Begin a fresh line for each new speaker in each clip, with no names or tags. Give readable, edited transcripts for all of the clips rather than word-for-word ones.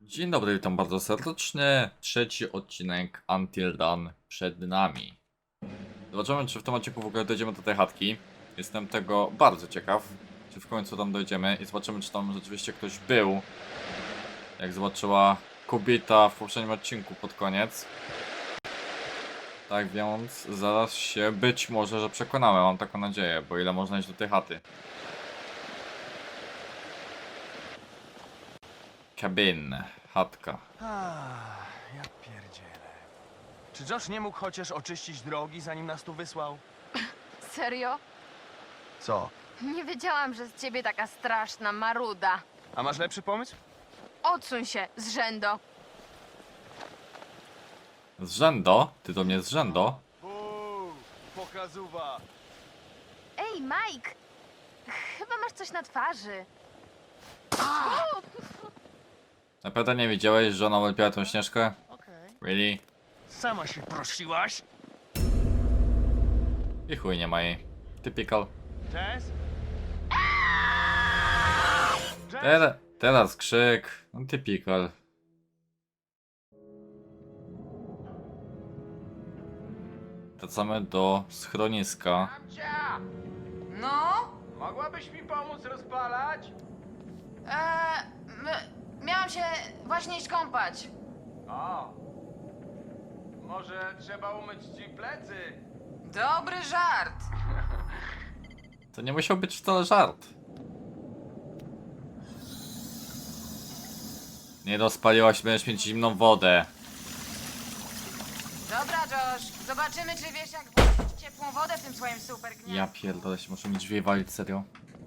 Dzień dobry, witam bardzo serdecznie. Trzeci odcinek Until Dawn przed nami. Zobaczymy, czy w tym odcinku w ogóle dojdziemy do tej chatki. Jestem tego bardzo ciekaw, czy w końcu tam dojdziemy i zobaczymy, czy tam rzeczywiście ktoś był. Jak zobaczyła kobieta w poprzednim odcinku pod koniec. Tak więc zaraz się być może, że przekonamy, mam taką nadzieję, bo ile można iść do tej chaty. Cabin, chatka.
Ja pierdzielę. Czy Josh nie mógł chociaż oczyścić drogi, zanim nas tu wysłał?
Serio?
Co?
Nie wiedziałam, że z ciebie taka straszna maruda.
A masz lepszy pomysł?
Odsuń się, zrzędo.
Zrzędo? Ty do mnie zrzędo?
Pokazuwa.
Ej, Mike! Chyba masz coś na twarzy.
Naprawdę nie wiedziałeś, że ona ulepiła tą Śnieżkę? Really?
Sama się prosiłaś?
I chuj nie ma jej. Typical.
Jess?
Teraz krzyk. No, typical. Wracamy do schroniska.
Amcia!
No?
Mogłabyś mi pomóc rozpalać?
Miałam się właśnie iść kąpać.
O! Może trzeba umyć ci plecy?
Dobry żart.
To nie musiał być wcale żart. Nie rozpaliłaś, będziesz mieć zimną wodę.
Dobra, Josh. Zobaczymy, czy wiesz, jak włożyć ciepłą wodę w tym swoim super gniazdku.
Ja pierdolę się, muszę mi drzwi walić, serio.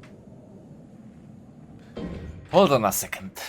Hold on a second.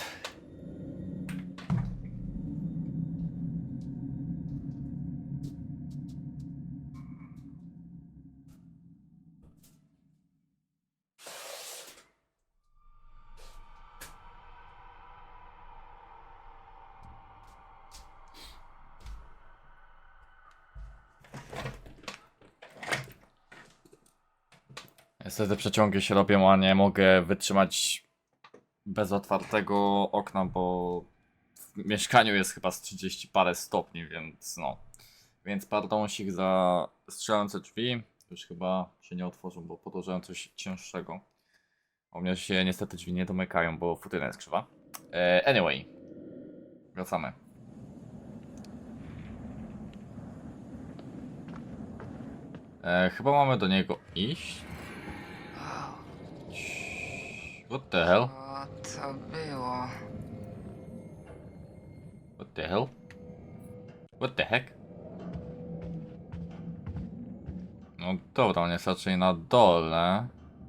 Niestety przeciągi się robią, a nie mogę wytrzymać bez otwartego okna, bo w mieszkaniu jest chyba z 30 parę stopni, więc no. Więc pardonsik za strzelające drzwi. Już chyba się nie otworzą, bo podłożyłem coś cięższego. U mnie się niestety drzwi nie domykają, bo futyna jest krzywa. Anyway. Wracamy. Chyba mamy do niego iść. What the hell?
O, to było.
What the hell? What the heck? No dobra, on jest raczej na dole.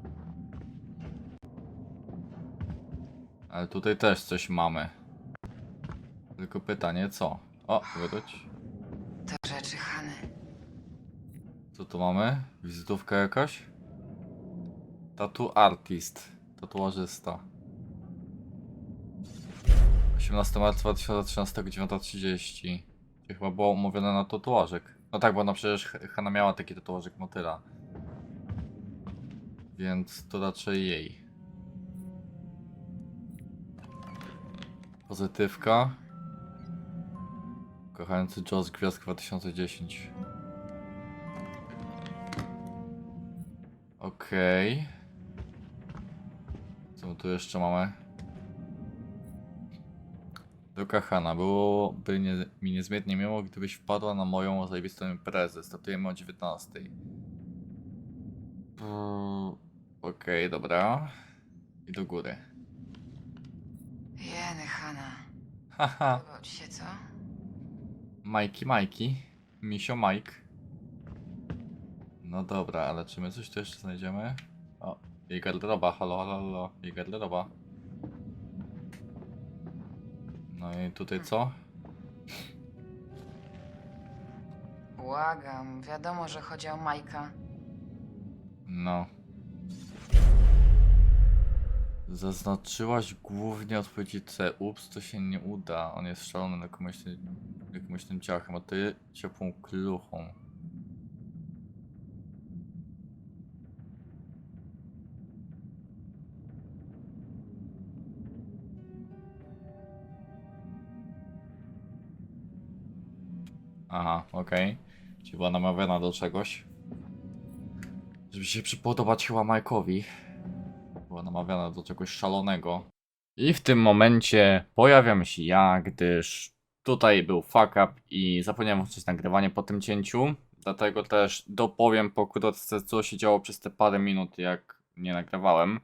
Ale tutaj też coś mamy. Tylko pytanie co? O, wróć.
To rzeczy Hany.
Co tu mamy? Wizytówka jakaś? Tattoo artist. Tatuażysta. 18 marca 2013, 9:30. Czyli chyba było umówione na tatuażyk. No tak, bo ona przecież Hanna miała taki tatuażyk motyla. Więc to raczej jej. Pozytywka. Kochający Joss Gwiazdka 2010. Okej. Co my tu jeszcze mamy? Droga Hanna, byłoby mi niezmiernie miło, gdybyś wpadła na moją zajebistą imprezę. Startujemy o 19. Okej, dobra. I do góry.
Jeny, Hana.
Haha.
Podobał ci się, co?
Majki. Misio Mike. No dobra, ale czy my coś tu jeszcze znajdziemy? O, jej garderoba, halo. Jej garderoba. No i tutaj co?
Błagam, wiadomo, że chodzi o Majka.
No. Zaznaczyłaś głównie odpowiedzi C. Ups, to się nie uda. On jest szalony na jakimś tym ciachem, a ty ciepłą kluchą. Aha, okej. Czyli była namawiana do czegoś. Żeby się przypodobać chyba Mike'owi. Była namawiana do czegoś szalonego. I w tym momencie pojawiam się ja, gdyż tutaj był fuck up i zapomniałem włączyć nagrywanie po tym cięciu. Dlatego też dopowiem pokrótce, co się działo przez te parę minut, jak nie nagrywałem.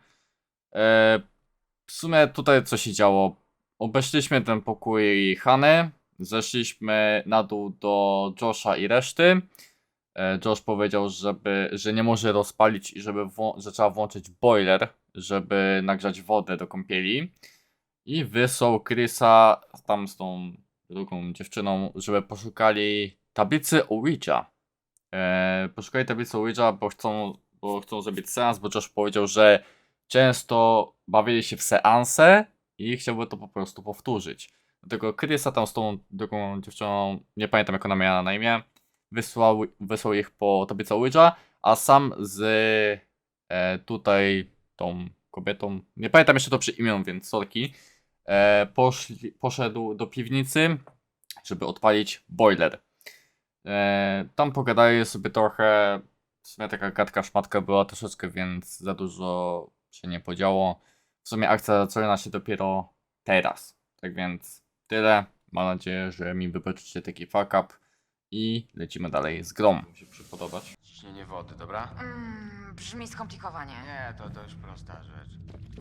W sumie tutaj co się działo. Obeszliśmy ten pokój Hany. Zeszliśmy na dół do Josha i reszty. Josh powiedział, że nie może rozpalić i że trzeba włączyć boiler, żeby nagrzać wodę do kąpieli. I wysłał Chrisa tam z tą drugą dziewczyną, żeby poszukali tablicy Ouija. Poszukali tablicy Ouija, bo chcą zrobić seans, bo Josh powiedział, że często bawili się w seanse i chciałby to po prostu powtórzyć. Dlatego Chrisa tam z tą drugą dziewczyną, nie pamiętam jak ona miała na imię, wysłał ich po tablicę Ouija, a sam z tutaj tą kobietą, nie pamiętam jeszcze to przy imieniu, więc sorki, poszedł do piwnicy, żeby odpalić boiler. Tam pogadali sobie trochę, w sumie taka gadka szmatka była troszeczkę, więc za dużo się nie podziało. W sumie akcja zaczyna się dopiero teraz. Tak więc tyle. Mam nadzieję, że mi wybaczycie taki fuck up i lecimy dalej z grą. Mi się przypodobać.
Ciśnienie wody, dobra?
Brzmi skomplikowanie.
Nie, to już prosta rzecz.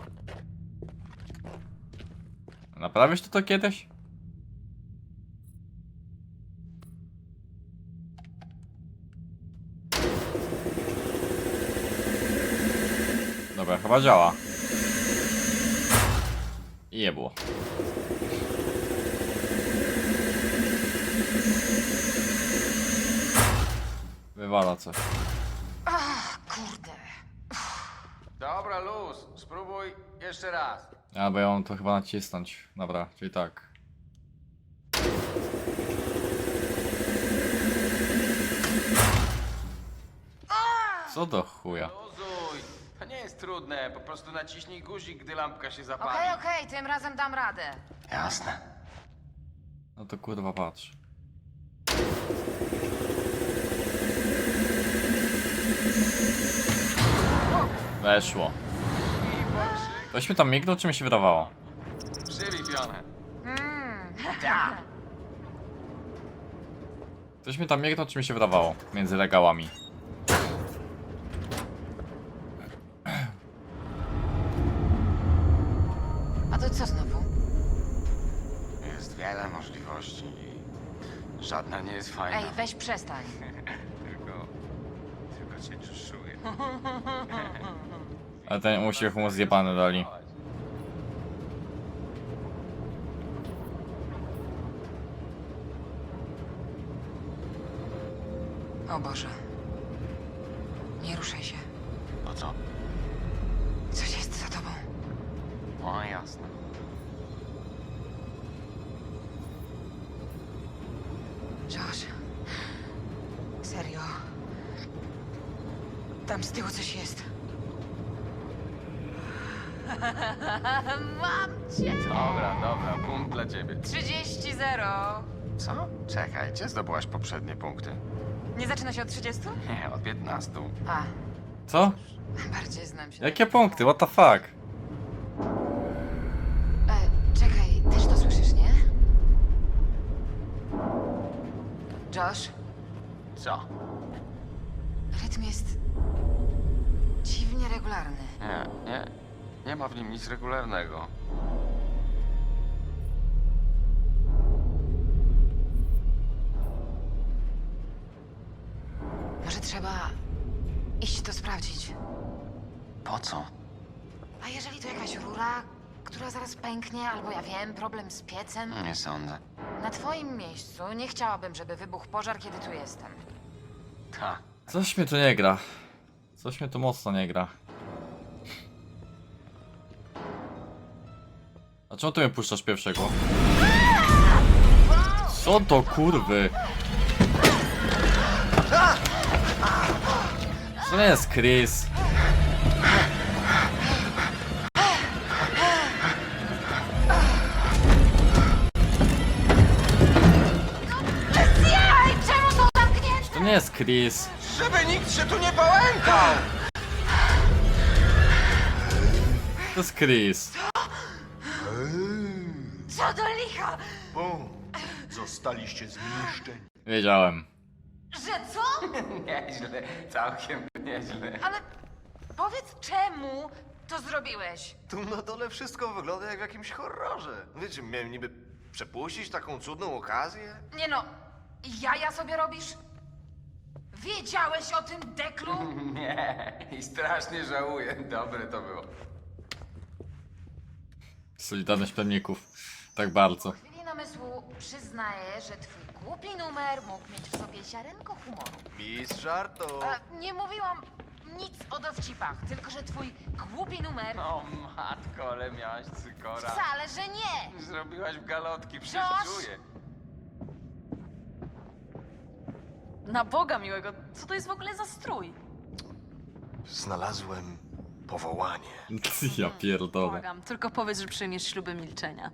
Naprawisz to kiedyś? Dobra, chyba działa. I je było. Wywala coś.
Ach, kurde.
Dobra, luz, spróbuj jeszcze raz.
A, bo ja mam to chyba nacisnąć. Dobra, czyli tak. Co do chuja?
Luzuj, to nie jest trudne, po prostu naciśnij guzik, gdy lampka się zapali.
Okej, tym razem dam radę.
Jasne.
No to kurwa patrz. Weszło. Ktoś mi tam mignął, czy mi się wydawało?
Przylipione.
Ktoś mi tam mignął, czy mi się wydawało? Między regałami.
A to co znowu?
Jest wiele możliwości i żadna nie jest fajna.
Ej, weź przestań.
Tylko cię czuję.
Ale ten uśmiech mu zjebany dali.
O Boże. Nie ruszaj się.
Po co?
Coś jest za tobą.
O, jasne.
Josh. Serio. Tam z tyłu coś jest. Mam cię!
Dobra, punkt dla ciebie.
30-0.
Co? Czekaj, gdzie zdobyłaś poprzednie punkty?
Nie zaczyna się od 30?
Nie, od 15.
A,
Co?
bardziej znam się.
Jakie punkty? What the fuck?
Czekaj, też to słyszysz, nie? Josh,
Co?
rytm jest dziwnie regularny.
Nie ma w nim nic regularnego.
Może trzeba iść to sprawdzić.
Po co?
A jeżeli to jakaś rura, która zaraz pęknie, albo ja wiem, problem z piecem?
Nie sądzę.
Na twoim miejscu nie chciałabym, żeby wybuchł pożar, kiedy tu jestem.
Ta.
Coś mnie tu nie gra. Coś mnie tu mocno nie gra. A czemu ty mnie puszczasz pierwszego? Co do kurwy? To nie jest Chris. nie jest Chris.
Żeby nikt się tu nie pałętał!
To jest Chris.
Co do licha?
Bum! Zostaliście zniszczeni.
Wiedziałem.
Że co?
Nieźle, całkiem nieźle.
Ale powiedz, czemu to zrobiłeś?
Tu na dole wszystko wygląda jak w jakimś horrorze. Wiecie, miałem niby przepuścić taką cudną okazję?
Nie no, jaja sobie robisz? Wiedziałeś o tym, Deklu?
Nie, i strasznie żałuję. Dobre to było.
Solidarność plemników. Tak bardzo.
W chwili namysłu przyznaję, że twój głupi numer mógł mieć w sobie ziarenko humoru.
Mistrz żartu.
Nie mówiłam nic o dowcipach, tylko że twój głupi numer...
O matko, ale miałaś cykora.
Wcale, że nie!
Zrobiłaś w galotki, przecież
Josh!
czuję.
Na Boga miłego, co to jest w ogóle za strój?
Znalazłem powołanie.
Ja pierdolę.
Błagam, tylko powiedz, że przyjmiesz śluby milczenia.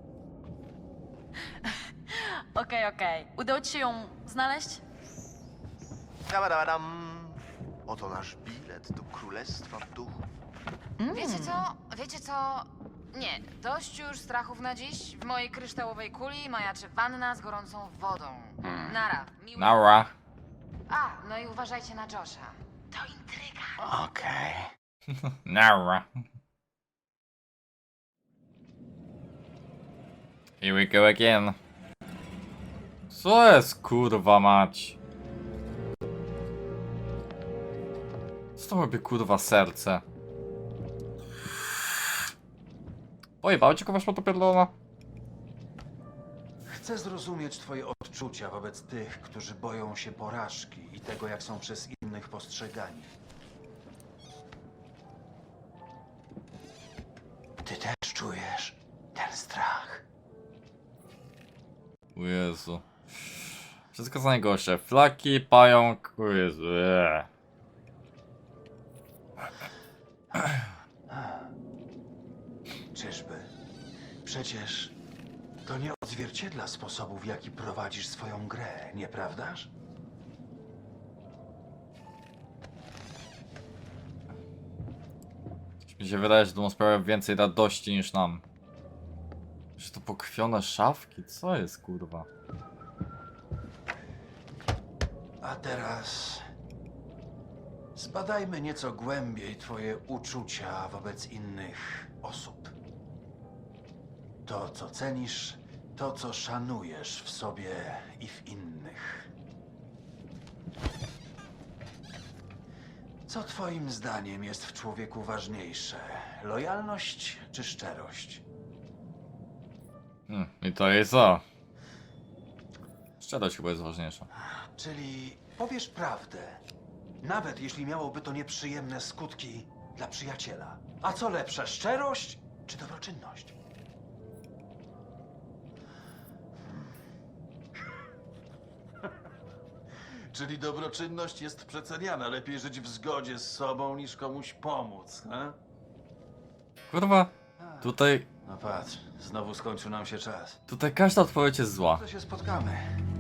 Okej. Udało ci się ją znaleźć?
Dabadabadam. Oto nasz bilet do Królestwa Duchów.
Wiecie co? Nie, dość już strachów na dziś. W mojej kryształowej kuli majaczy wanna z gorącą wodą. Nara, miły...
Nara.
A, no i uważajcie na Josha. To intryga.
Okej.
Nara. Here we go again. Co jest kurwa mać? Co to robi kurwa serce? Pojebało cię kogoś po to pierdolona?
Chcę zrozumieć twoje odczucia wobec tych, którzy boją się porażki i tego, jak są przez innych postrzegani. Ty też czujesz ten strach.
O Jezu. Wszystko za najgorsze. Flaki, pająk. O Jezu.
Czyżby? Przecież to nie odzwierciedla sposobu, w jaki prowadzisz swoją grę, nieprawdaż?
Mi się wydaje, że to sprawia więcej radości niż nam. Czy to pokrwione szafki? Co jest kurwa?
A teraz zbadajmy nieco głębiej twoje uczucia wobec innych osób. To, co cenisz, to, co szanujesz w sobie i w innych. Co twoim zdaniem jest w człowieku ważniejsze? Lojalność czy szczerość?
I to jest co? Szczerość chyba jest ważniejsza.
Czyli powiesz prawdę, nawet jeśli miałoby to nieprzyjemne skutki dla przyjaciela. A co lepsze, szczerość czy dobroczynność? Czyli dobroczynność jest przeceniana. Lepiej żyć w zgodzie z sobą, niż komuś pomóc, he?
Kurwa. Tutaj
No patrz, znowu skończył nam się czas.
każda odpowiedź jest zła.
To się spotkamy.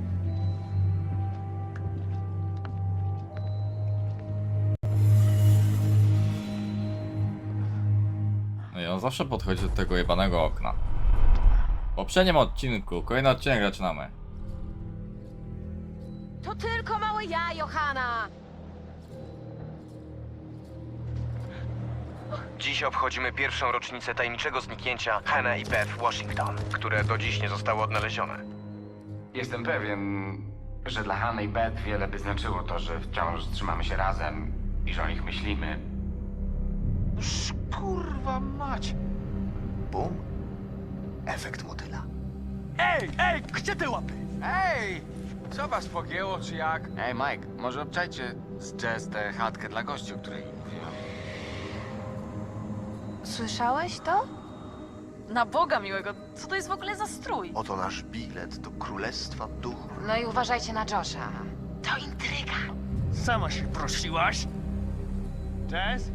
No i on zawsze podchodzi do tego jebanego okna. W poprzednim odcinku, kolejny odcinek zaczynamy.
To tylko małe ja, Johana!
Dziś obchodzimy pierwszą rocznicę tajemniczego zniknięcia Hannah i Beth Washington, które do dziś nie zostały odnalezione.
Jestem pewien, że dla Hanny i Beth wiele by znaczyło to, że wciąż trzymamy się razem i że o nich myślimy.
Kurwa mać. Bum. Efekt motyla.
Ej, gdzie te łapy? Ej! Co was pogięło, czy jak? Ej, Mike, może obczajcie z Jess tę chatkę dla gości, o której mówiłam.
Słyszałeś to?
Na Boga miłego, co to jest w ogóle za strój?
Oto nasz bilet do Królestwa Duchów.
No i uważajcie na Josha. To intryga.
Sama się prosiłaś? Jess?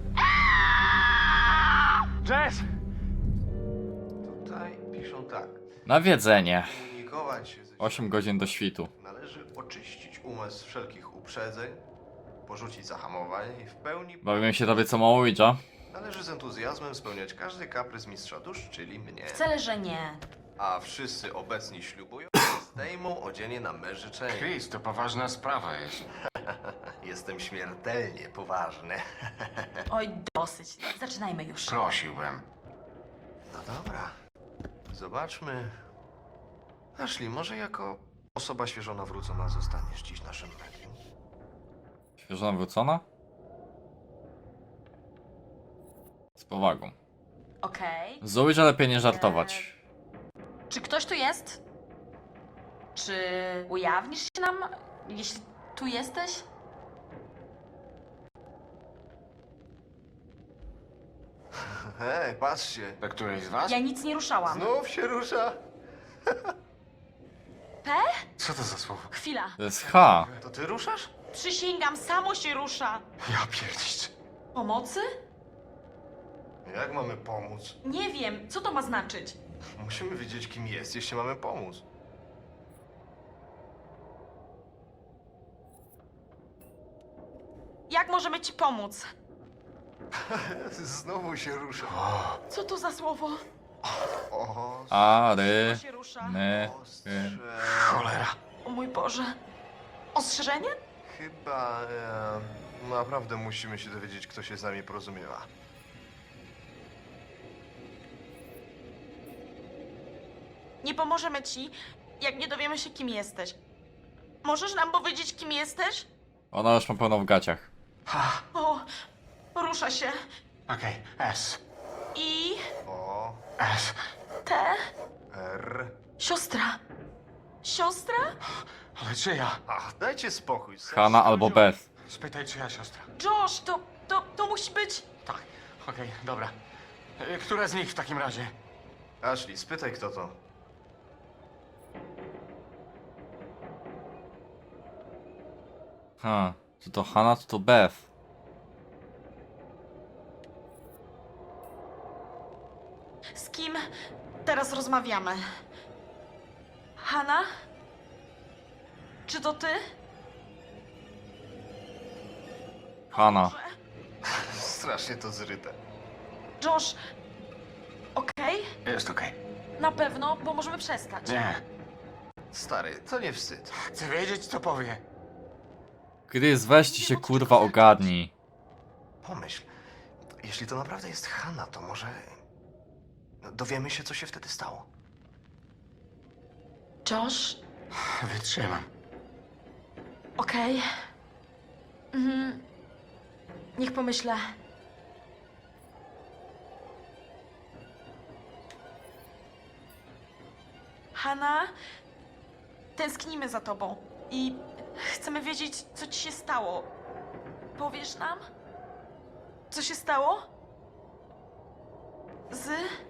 Jess!
Tutaj piszą tak.
Nawiedzenie.
Komunikować się ze
8 godzin do świtu.
Należy oczyścić umysł z wszelkich uprzedzeń, porzucić zahamowanie i w pełni
Bawimy się tobie co mało Ouija.
należy z entuzjazmem spełniać każdy kaprys mistrza dusz, czyli mnie.
Wcale, że nie.
A wszyscy obecni ślubują, że zdejmą odzienie na me życzenie.
Chris, to poważna sprawa jest.
Jestem śmiertelnie poważny.
Oj, dosyć. Zaczynajmy już.
Prosiłbym.
No dobra. Zobaczmy. Ashley, może jako osoba świeżo nawrócona zostaniesz dziś naszym medium?
Świeżo nawrócona? Z powagą.
Okej.
Z Ouija lepiej nie żartować.
Czy ktoś tu jest? Czy ujawnisz się nam, jeśli tu jesteś?
Hej, patrzcie.
Do którejś z was?
Ja nic nie ruszałam.
Znów się rusza.
Co to za słowo?
Chwila.
To jest H.
To ty ruszasz?
Przysięgam, samo się rusza.
Ja pierdzisz.
Pomocy?
Jak mamy pomóc?
Nie wiem, co to ma znaczyć?
Musimy wiedzieć, kim jest, jeśli mamy pomóc.
Jak możemy ci pomóc?
Znowu się rusza.
Co to za słowo?
O,
Ary.
się rusza.
My.
ostrze.
Cholera.
O mój Boże. Ostrzeżenie?
Chyba naprawdę musimy się dowiedzieć, kto się z nami porozumiewa.
Nie pomożemy ci, jak nie dowiemy się, kim jesteś. Możesz nam powiedzieć, kim jesteś?
Ona już ma pełno w gaciach.
O, rusza się.
Okej, S.
I...
O,
S.
T...
R.
Siostra. Siostra?
Ale czyja?
Ach, dajcie spokój.
Hanna albo Beth.
Spytaj, czyja siostra.
Josh, to musi być...
Tak, okej, dobra. Która z nich w takim razie?
Ashley, spytaj, kto to.
Ha. Czy to Hanna, czy to Beth?
Z kim teraz rozmawiamy? Hanna? Czy to ty?
Hanna.
Strasznie to zryte.
Josh, okej?
Jest okej.
Na pewno, bo możemy przestać.
Nie.
Stary, to nie wstyd.
Chcę wiedzieć, co powie.
Chris, weźcie się kurwa ogarnij.
Pomyśl, jeśli to naprawdę jest Hanna, to może dowiemy się, co się wtedy stało.
Josh,
Wytrzymam.
okej. Niech pomyślę. Hanna, tęsknimy za tobą i chcemy wiedzieć, co ci się stało. Powiesz nam? Co się stało? Z...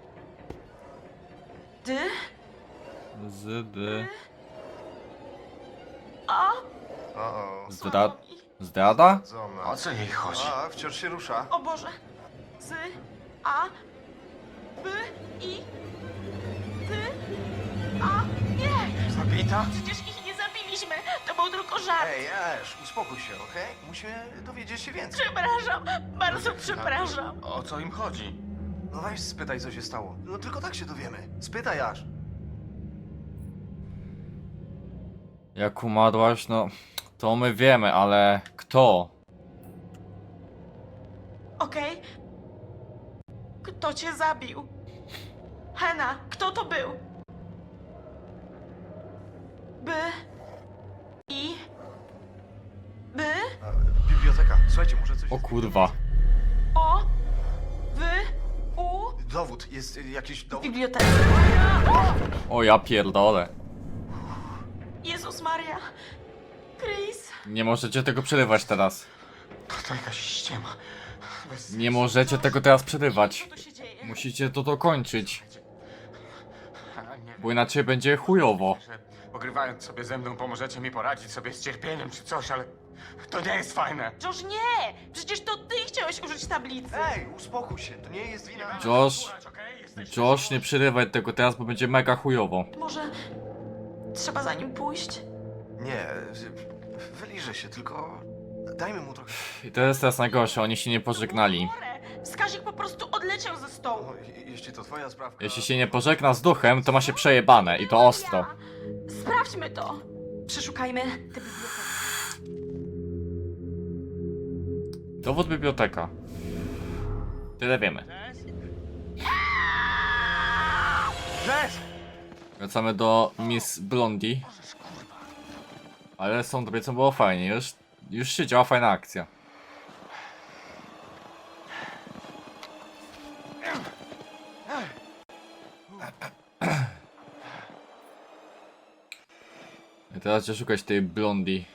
Dy... A...
O,
Zdrada?
zona.
O co jej chodzi?
A, wciąż się rusza.
O Boże. Z... A... B... I... Ty... A... Nie!
Zabita?
Przecież ich nie zabiliśmy! To był tylko żart!
Ej, Ash, uspokój się, okej? Musimy dowiedzieć się więcej.
Przepraszam! Bardzo przepraszam!
O co im chodzi?
No weź spytaj, co się stało. No tylko tak się dowiemy. Spytaj, Ash.
Jak umarłaś, no... To my wiemy, ale... Kto?
Okej? Kto cię zabił? Hanna, kto to był? By... I... By...
Biblioteka. Słuchajcie, może coś...
O kurwa.
O... Wy... U...
Dowód. Jest jakiś
W
dowód?
bibliotece.
O ja pierdolę.
Jezus Maria. Chris.
Nie możecie tego przerywać teraz.
To jakaś ściema. Bez...
Nie możecie tego teraz przerywać.
Co tu się dzieje?
Musicie to dokończyć.
Nie
Bo inaczej będzie chujowo.
że pogrywając sobie ze mną pomożecie mi poradzić sobie z cierpieniem czy coś, ale to nie jest fajne.
Josh, nie! Przecież to ty chciałeś użyć tablicy.
Ej, uspokój się. To nie jest wina...
Josh,
Okej? Jesteś...
Josh, nie przerywaj tego teraz, bo będzie mega chujowo.
Może trzeba za nim pójść?
Nie. Wyliżę się, tylko dajmy mu trochę.
I to jest teraz najgorsze, oni się nie pożegnali.
Wskazik po prostu odleciał ze stołu.
O, jeśli to twoja sprawka...
Jeśli się nie pożegna z duchem, to ma się przejebane i to ostro.
Sprawdźmy to. Przeszukajmy tę bibliotekę.
Dowód biblioteka. Tyle wiemy.
Jess!
Wracamy do Miss Blondie. Ale z tą kobiecą było fajnie, już się działa fajna akcja. I teraz trzeba szukać tej Blondie.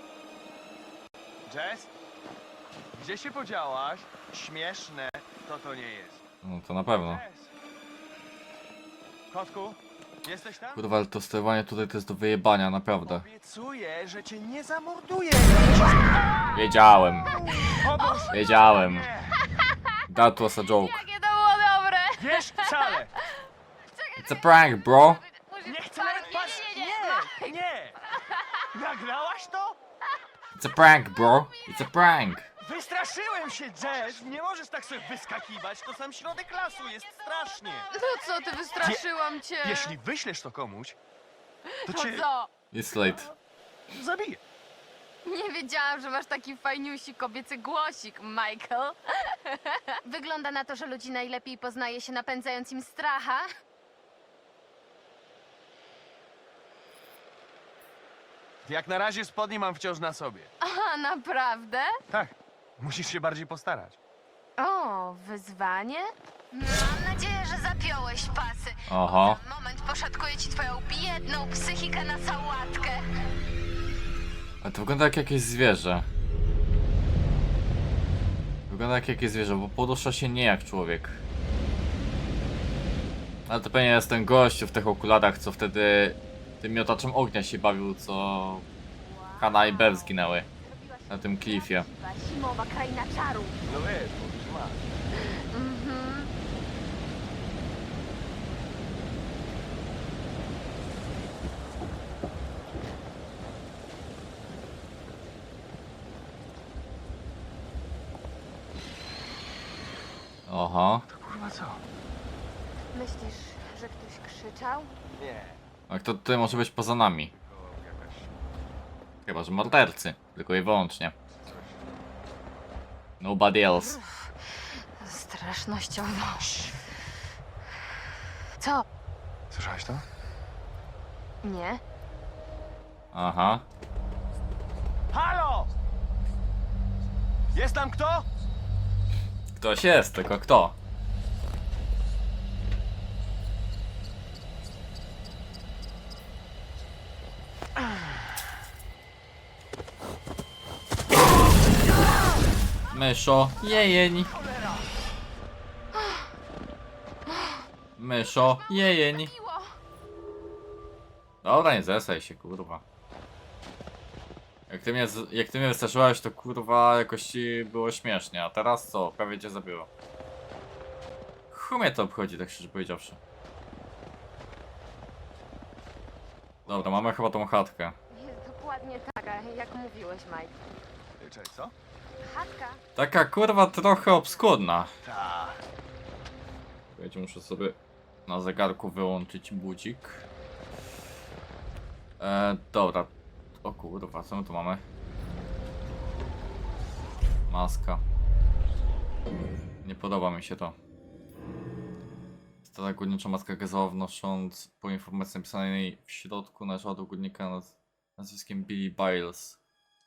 Jess? Gdzie się podziałaś? Śmieszne to nie jest.
No to na pewno.
Jess! Kotku, jesteś tam?
Kurwa, ale to sterowanie tutaj to jest do wyjebania, naprawdę.
Obiecuję, że cię nie zamorduję.
Wiedziałem,
Pomóż!
wiedziałem. That was a joke.
Jakie to było dobre!
Wiesz wcale!
It's a prank, bro.
Nie chcę nawet patrzeć! Nie! Nagrałaś to?
It's a prank, bro. It's a prank.
Wystraszyłem się, Jess! Nie możesz tak sobie wyskakiwać, to sam środek lasu, jest strasznie!
No co ty, wystraszyłam cię!
Jeśli wyślesz to komuś, to
No
cię
co?
It's late.
zabiję.
Nie wiedziałam, że masz taki fajniusi kobiecy głosik, Michael. Wygląda na to, że ludzi najlepiej poznaje się napędzając im stracha.
Jak na razie spodnie mam wciąż na sobie.
A, naprawdę?
Tak, musisz się bardziej postarać.
O, wyzwanie? Mam nadzieję, że zapiąłeś pasy.
Oho.
Za moment poszatkuję ci twoją biedną psychikę na sałatkę.
Ale to wygląda jak jakieś zwierzę. Wygląda jak jakieś zwierzę, bo porusza się nie jak człowiek. Ale to pewnie jest ten gościu w tych okularach, co wtedy tym miotaczem ognia się bawił, co Hannah i Bev zginęły na tym klifie.
Zimowa kraina czaru.
No wiesz, mówisz masz.
Mhm.
Oho.
To kurwa co?
Myślisz, że ktoś krzyczał?
Nie.
A kto tutaj może być poza nami?
To jakaś...
Chyba, że mordercy. Tylko i wyłącznie. Nobody else.
Strasznościowo. Co?
Słyszałaś to?
Nie?
Aha.
Halo! Jest tam kto?
Ktoś jest, tylko kto? Myszo, jejeń. Myszo, jejeń.
Miło!
Dobra, nie zesaj się, kurwa. Jak ty mnie wystraszyłeś, to kurwa jakoś ci było śmiesznie, a teraz co? Prawie cię zabiło. Chuj mnie to obchodzi, tak szczerze powiedziawszy. Dobra, mamy chyba tą chatkę.
Jest dokładnie taka, jak mówiłeś, Mike.
Cześć, co?
Chatka.
Taka kurwa trochę obskurna.
Tak.
Słuchajcie, muszę sobie na zegarku wyłączyć budzik. Dobra. O kurwa, co my tu mamy? Maska. Nie podoba mi się to. Stara górnicza maska gazowa, wnosząc po informacji napisanej w środku należała do górnika nazwiskiem Billy Biles.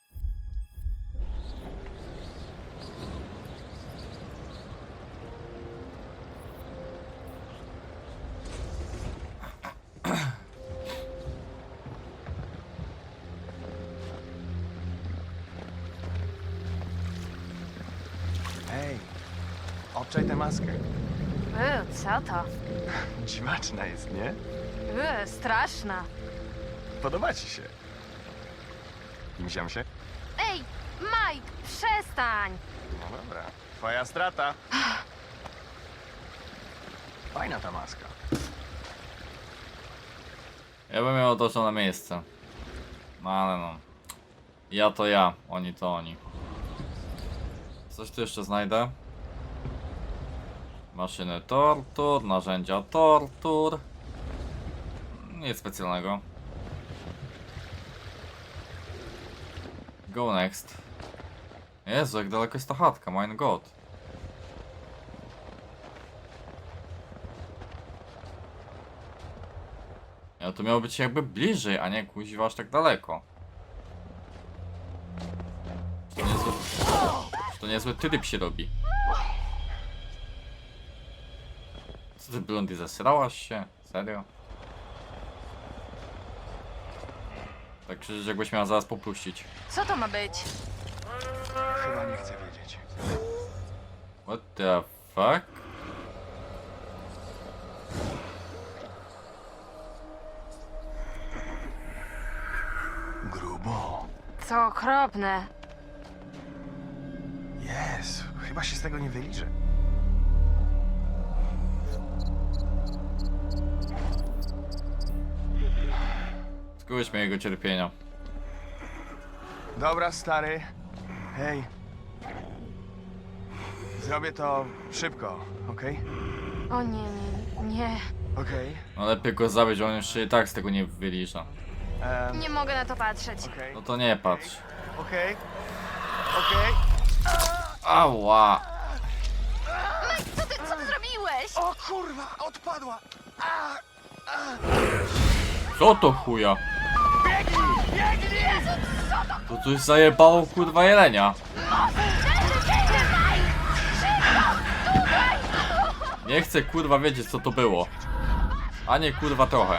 Ej, obczaj tę maskę.
Co to?
Dziwaczna jest, nie?
Straszna.
Podoba ci się. Imsiam się?
Ej, Mike, przestań!
No dobra. Twoja strata. Fajna ta maska.
Ja bym ją odłożył na miejsce. No ale no. Ja to ja, oni to oni. Coś tu jeszcze znajdę? Maszyny tortur, narzędzia tortur. Nic specjalnego. Go next. Jezu, jak daleko jest ta chatka, mein god. Ja to miało być jakby bliżej, a nie kuźwa aż tak daleko. To niezły tryb się robi. Co ty, Blondie, zesrałaś się? Serio? Tak krzyczysz, jakbyś miała zaraz popuścić.
Co to ma być?
Chyba nie chcę wiedzieć.
What the fuck?
Grubo.
Co okropne.
Jezu, chyba się z tego nie wyliczę.
Skóryśmy jego cierpienia.
Dobra, stary. Hej. Zrobię to szybko, okej?
O nie, nie.
Okej.
No lepiej go zabić, on już się i tak z tego nie wylicza.
Nie mogę na to patrzeć.
Okej.
No to nie patrz.
Okej. Okej.
Ała!
Co ty zrobiłeś?
O kurwa, odpadła!
Co to chuja? To coś zajebało kurwa jelenia. Nie chcę kurwa wiedzieć co to było. A nie kurwa trochę.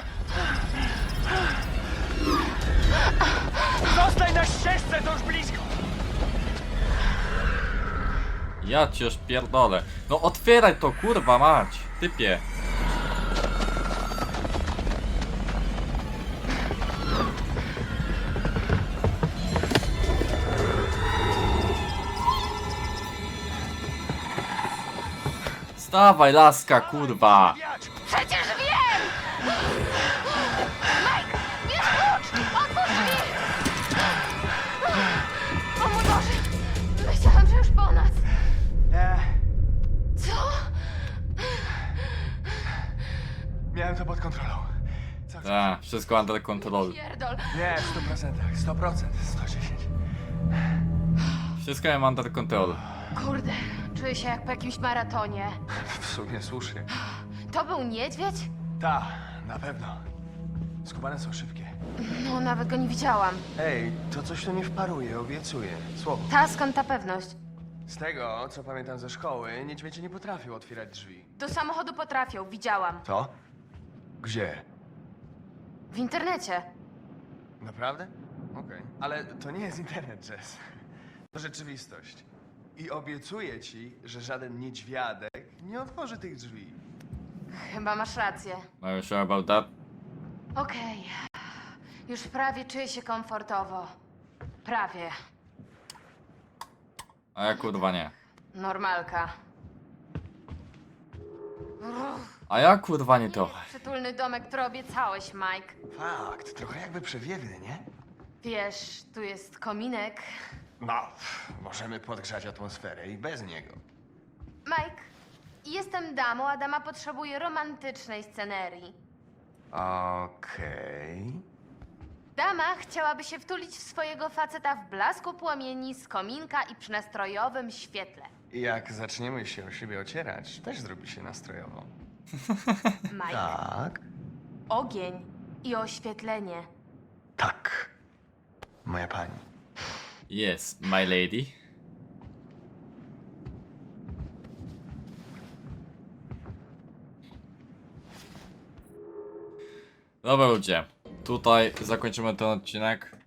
Zostań na ścieżce, to już blisko!
Ja cię już pierdolę. No otwieraj to kurwa mać. Typie. Stawaj laska kurwa.
Przecież wiem! Mike, bierz klucz! Otwórz drzwi! O mój Boże! Myślałam, że już po nas. Co?
Miałem to pod kontrolą. Co chcesz?
Tak, wszystko under control.
Pierdol.
Nie, w 100%, 100%, 110.
Wszystko mam under control.
Kurde, czuję się jak po jakimś maratonie.
W sumie słusznie.
To był niedźwiedź?
Ta, na pewno. Skubane są szybkie.
No, nawet go nie widziałam.
Ej, to coś tu nie wparuje, obiecuję. Słowo.
Ta, skąd ta pewność?
Z tego, co pamiętam ze szkoły, niedźwiedzie nie potrafią otwierać drzwi.
Do samochodu potrafią, widziałam.
Co? Gdzie?
W internecie.
Naprawdę? Okej. Ale to nie jest internet, Jess. To rzeczywistość. I obiecuję ci, że żaden niedźwiadek nie otworzy tych drzwi.
Chyba masz rację.
Are you sure about that?
Okej. Już prawie czuję się komfortowo. Prawie.
A ja kurwa nie.
Normalka.
A ja kurwa nie trochę.
Przytulny domek, który obiecałeś, Mike.
Fakt, trochę jakby przewiewny, nie?
Wiesz, tu jest kominek.
No, możemy podgrzać atmosferę i bez niego.
Mike, jestem damą, a dama potrzebuje romantycznej scenerii.
Okej.
Dama chciałaby się wtulić w swojego faceta w blasku płomieni z kominka i przy nastrojowym świetle.
Jak zaczniemy się o siebie ocierać, też zrobi się nastrojowo.
Mike,
Tak?
ogień i oświetlenie.
Tak. Moja pani.
Yes, my lady. Dobra ludzie, tutaj zakończymy ten odcinek.